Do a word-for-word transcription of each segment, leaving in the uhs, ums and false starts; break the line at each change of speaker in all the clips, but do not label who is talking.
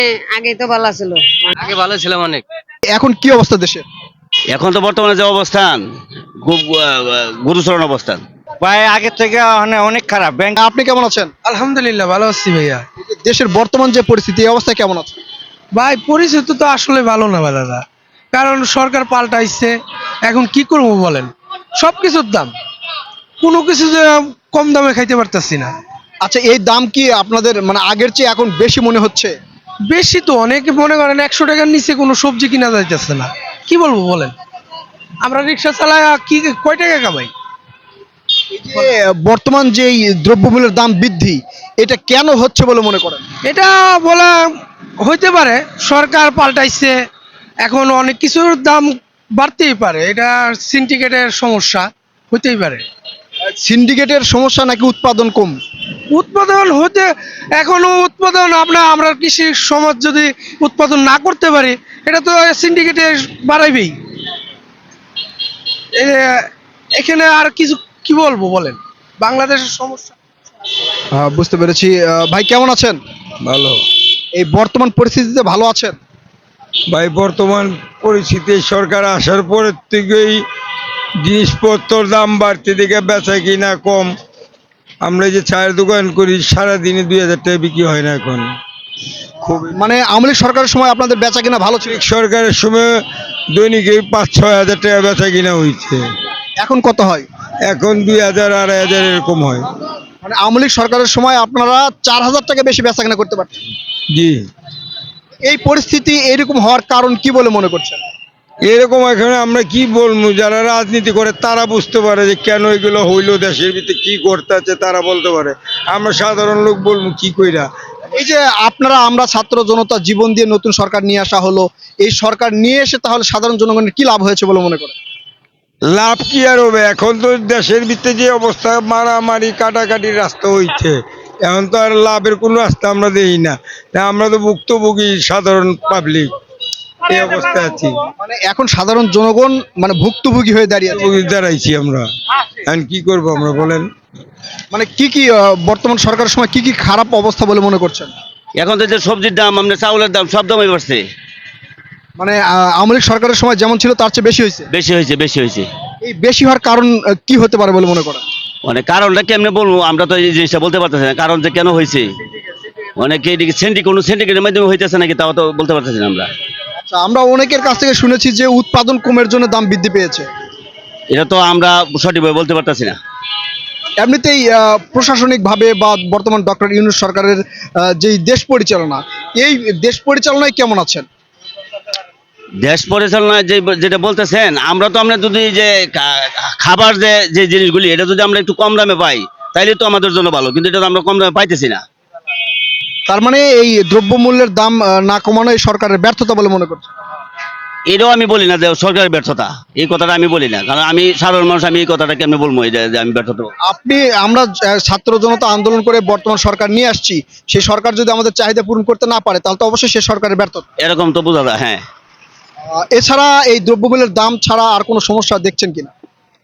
আগে তো ভালো ছিল।
আগে ভালো ছিলাম অনেক।
এখন কি অবস্থা দেশের?
এখন তো বর্তমানে যে অবস্থান খুব আহ, গুরুতর অবস্থান।
ভাই আগের থেকে মানে অনেক খারাপ ব্যাংক।
আপনি কেমন আছেন?
আলহামদুলিল্লাহ ভালো আছি ভাইয়া।
দেশের বর্তমান যে পরিস্থিতি এই অবস্থা কেমন আছে?
ভাই পরিস্থিতি তো আসলে ভালো না ভাই দাদা, কারণ সরকার পাল্টাইছে। এখন কি করবো বলেন, সব কিছুর দাম, কোনো কিছু যে কম দামে খাইতে পারতেছি না।
আচ্ছা, এই দাম কি আপনাদের মানে আগের চেয়ে এখন বেশি মনে হচ্ছে?
বেশি তো, অনেকে মনে করেন একশো টাকার নিচে কোনো সবজি কিনা যাইতেছে না। কি বলবো বলেন, আমরা রিক্সা চালাই কি কয় টাকা কামাই?
যে বর্তমান যে এই দ্রব্যমূল্যের দাম বৃদ্ধি, এটা কেন হচ্ছে বলে মনে করেন?
এটা বলা হইতে পারে সরকার পাল্টাইছে, এখন অনেক কিছুর দাম বাড়তেই পারে, এটা সিন্ডিকেটের সমস্যা হইতেই পারে।
সিন্ডিকেটের সমস্যা নাকি উৎপাদন কম?
উৎপাদন হতে এখনো উৎপাদন আমরা আমরা কৃষি সমাজ যদি উৎপাদন না করতে পারি, এটা তো সিন্ডিকেটে বাড়াইবেই। এ- এখানে আর কিছু কি বলবো বলেন, বাংলাদেশের সমস্যা।
আহ, বুঝতে পেরেছি। আহ, ভাই কেমন আছেন?
ভালো
এই বর্তমান পরিস্থিতিতে ভালো আছেন?
ভাই, বর্তমান পরিস্থিতি সরকার আসার পরের থেকেই জিনিসপত্রের দাম বাড়তে দিকে বেচা কিনা কম। আমরা এই যে চায়ের দোকান করি, সারাদিনে দুই হাজার টাকা বিক্রি হয় না এখন। খুব
মানে আওয়ামী লীগ সরকারের সময় আপনাদের বেচা কিনা ভালো ছিল,
সরকারের সময় দৈনিক এই পাঁচ ছয় হাজার টাকা বেচা কিনা হয়েছে,
এখন কত হয়?
এখন দুই হাজার আড়াই হাজার এরকম হয়।
মানে আওয়ামী লীগ সরকারের সময় আপনারা চার হাজার টাকা বেশি বেচা কিনা করতে পারতেন।
জি,
এই পরিস্থিতি এরকম হওয়ার কারণ কি বলে মনে করছেন?
এরকম এখানে আমরা কি বলবো, যারা রাজনীতি করে তারা বুঝতে পারে যে কেন এগুলো হইলো, দেশের ভিতরে কি করতে আছে তারা বলতে পারে। আমরা সাধারণ লোক বলবো কি কইরা।
এই যে আপনারা আমরা ছাত্র জনতা জীবন দিয়ে নতুন সরকার নিয়ে আসা হলো, এই সরকার নিয়ে এসে তাহলে সাধারণ জনগণের কি লাভ হয়েছে বলে মনে করেন?
লাভ কি আর হবে, এখন তো দেশের ভিতরে যে অবস্থা, মারামারি কাটাকাটির রাস্তা হইছে, এখন তো আর লাভের কোনো রাস্তা আমরা দেখি না। তা আমরা তো ভুক্তভোগী সাধারণ পাবলিক, এই অবস্থায় আছি।
মানে এখন সাধারণ জনগণ মানে ভুক্তভোগী হয়ে দাঁড়িয়ে আছে।
ভুক্তভোগী দাঁড়াইছি আমরা, এখন কি করবো আমরা বলেন।
মানে কি কি আহ, বর্তমান সরকারের সময় কি কি খারাপ অবস্থা বলে মনে করছেন?
এখন তো যে সবজির দাম, আপনার চাউলের দাম, সব দামই বাড়ছে।
মানে আহ, আওয়ামী লীগ সরকারের সময় যেমন ছিল তার চেয়ে বেশি হয়েছে।
বেশি হয়েছে, বেশি হয়েছে।
এই বেশি হওয়ার কারণ আহ, কি হতে পারে বলে মনে করেন?
মানে কারণটা কেমনে বলবো, আমরা তো এই জিনিসটা বলতে পারতেছি না, কারণ যে কেন হয়েছে। অনেকে এদিকে সেন্টি কোনো সিন্ডিকেটের মাধ্যমে হইতেছে নাকি তাও তো বলতে পারতেছি না আমরা।
আচ্ছা, আমরা অনেকের কাছ থেকে শুনেছি যে উৎপাদন কমের জন্য দাম বৃদ্ধি পেয়েছে।
এটা তো আমরা সঠিকভাবে বলতে পারতেছি না।
এমনিতেই আহ, প্রশাসনিকভাবে বা বর্তমান ডক্টর ইউনূস সরকারের আহ, যেই দেশ পরিচালনা, এই দেশ পরিচালনায় কেমন আছেন?
দেশ পরিচালনায় যে যেটা বলতেছেন, আমরা তো আমরা যদি যে খা- খাবার যে যে জিনিসগুলি এটা যদি আমরা একটু কম দামে পাই তাইলে তো আমাদের জন্য ভালো, কিন্তু এটা তো আমরা কম দামে পাইতেছি না।
তার মানে এই দ্রব্যমূল্যের দাম আহ, না কমানো এই সরকারের ব্যর্থতা বলে মনে করছেন?
এটাও আমি বলি না যে সরকারের ব্যর্থতা, এই কথাটা আমি বলি না, কারণ আমি সাধারণ মানুষ, আমি এই কথাটা কেমনি বলবো এই যে যে আমি ব্যর্থতা বলবো।
আপনি আমরা আহ, ছাত্র জনতা আন্দোলন করে বর্তমান সরকার নিয়ে আসছি, সেই সরকার যদি আমাদের চাহিদা পূরণ করতে না পারে তাহলে তো অবশ্যই সে সরকারের ব্যর্থতা।
এরকম তো বোঝা যায়, হ্যাঁ।
আহ, এছাড়া এই দ্রব্যমূল্যের দাম ছাড়া আর কোনো সমস্যা দেখছেন কিনা?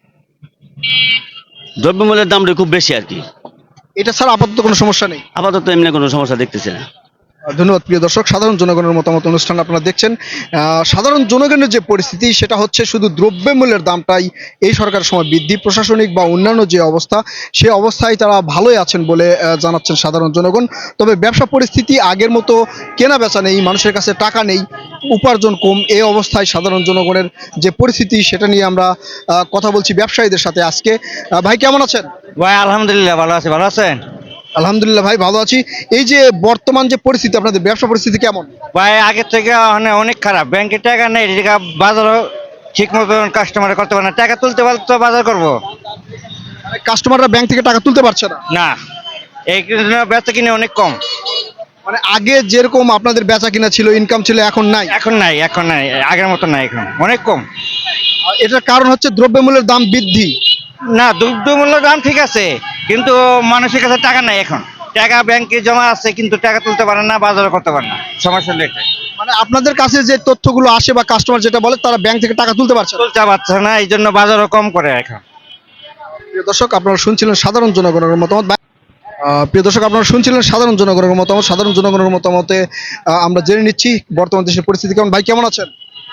দ্রব্যমূল্যের দামটা খুব বেশি আর কি।
এটা ছাড়া আপাতত কোনো সমস্যা নেই।
আপাতত এমনি কোনো সমস্যা দেখতেছি না।
ধন্যবাদ প্রিয় দর্শক, সাধারণ জনগণের মতামত অনুষ্ঠান আপনারা দেখছেন। আহ, সাধারণ জনগণের যে পরিস্থিতি সেটা হচ্ছে শুধু দ্রব্যমূল্যের দামটাই এই সরকারের সময় বৃদ্ধি, প্রশাসনিক বা অন্যান্য যে অবস্থা সে অবস্থায় তারা ভালোই আছেন বলে আহ, জানাচ্ছেন সাধারণ জনগণ। তবে ব্যবসা পরিস্থিতি আগের মতো কেনা বেচা নেই, মানুষের কাছে টাকা নেই, উপার্জন কম, এই অবস্থায় সাধারণ জনগণের যে পরিস্থিতি সেটা নিয়ে আমরা আহ, কথা বলছি ব্যবসায়ীদের সাথে আজকে। আহ, ভাই কেমন আছেন?
ভাই আলহামদুলিল্লাহ ভালো আছি, ভালো আছেন?
আলহামদুলিল্লাহ ভাই ভালো আছি। এই যে বর্তমান যে পরিস্থিতি, আপনাদের ব্যবসা পরিস্থিতি কেমন?
ভাই আগের থেকে মানে অনেক খারাপ, ব্যাংকে টাকা নেই, টাকা বাজারও ঠিক মতো কাস্টমার করতে পারে না, টাকা তুলতে পারলে তো বাজার করবো
কাস্টমাররা ব্যাংক থেকে টাকা তুলতে পারছে না।
না, এই জন্য বেচা কিনে অনেক কম।
মানে আগে যেরকম আপনাদের বেচা কিনা ছিল, ইনকাম ছিল, এখন নাই।
এখন নাই, এখন নাই, আগের মতো নাই, এখন অনেক কম।
আর এটার কারণ হচ্ছে দ্রব্যমূল্যের দাম বৃদ্ধি।
না, দ্রব্যমূল্য দাম ঠিক আছে, কিন্তু মানুষের কাছে টাকা নাই এখন। টাকা ব্যাংকে জমা আছে কিন্তু টাকা তুলতে পারে না, বাজারও করতে পারে না, সমস্যা হলো এটাই।
মানে আপনাদের কাছে যে তথ্যগুলো আসে বা কাস্টমার যেটা বলে তারা ব্যাংক থেকে টাকা তুলতে পারছে না।
তুলতে পারছে না, এই জন্য বাজারও কম করে এখন।
প্রিয় দর্শক, আপনারা শুনছিলেন সাধারণ জনগণের মতামত। আহ, প্রিয় দর্শক, আপনারা শুনছিলেন সাধারণ জনগণের মতামত। সাধারণ জনগণের মতামতে আহ, আমরা জেনে নিচ্ছি বর্তমান দেশের পরিস্থিতি কেমন। ভাই কেমন আছেন?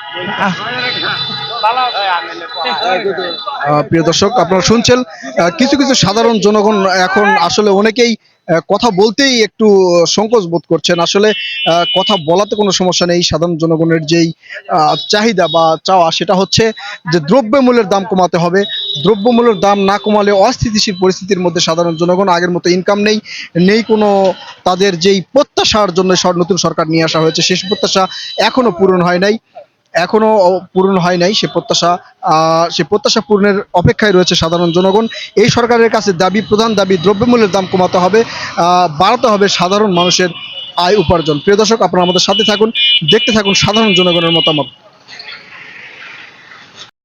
আহ, প্রিয় দর্শক, আপনারা শুনছেন আহ, কিছু কিছু সাধারণ জনগণ এখন আসলে অনেকেই আহ, কথা বলতেই একটু সংকোচ বোধ করছেন। আসলে আহ, কথা বলাতে কোনো সমস্যা নেই। সাধারণ জনগণের যেই আহ, চাহিদা বা চাওয়া সেটা হচ্ছে যে দ্রব্যমূল্যের দাম কমাতে হবে। দ্রব্যমূল্যের দাম না কমালে অস্থিতিশীল পরিস্থিতির মধ্যে সাধারণ জনগণ, আগের মতো ইনকাম নেই, নেই কোনো তাদের যেই প্রত্যাশার জন্য সর- নতুন সরকার নিয়ে আসা হয়েছে সেই প্রত্যাশা এখনো পূরণ হয় নাই এখনো পূরণ হয় নাই সে প্রত্যাশা। আহ, সে প্রত্যাশা পূরণের অপেক্ষায় রয়েছে সাধারণ জনগণ। এই সরকারের কাছে দাবি, প্রধান দাবি, দ্রব্যমূল্যের দাম কমাতে হবে, আহ, বাড়াতে হবে সাধারণ মানুষের আয় উপার্জন। প্রিয় দর্শক, আপনারা আমাদের সাথে থাকুন, দেখতে থাকুন সাধারণ জনগণের মতামত।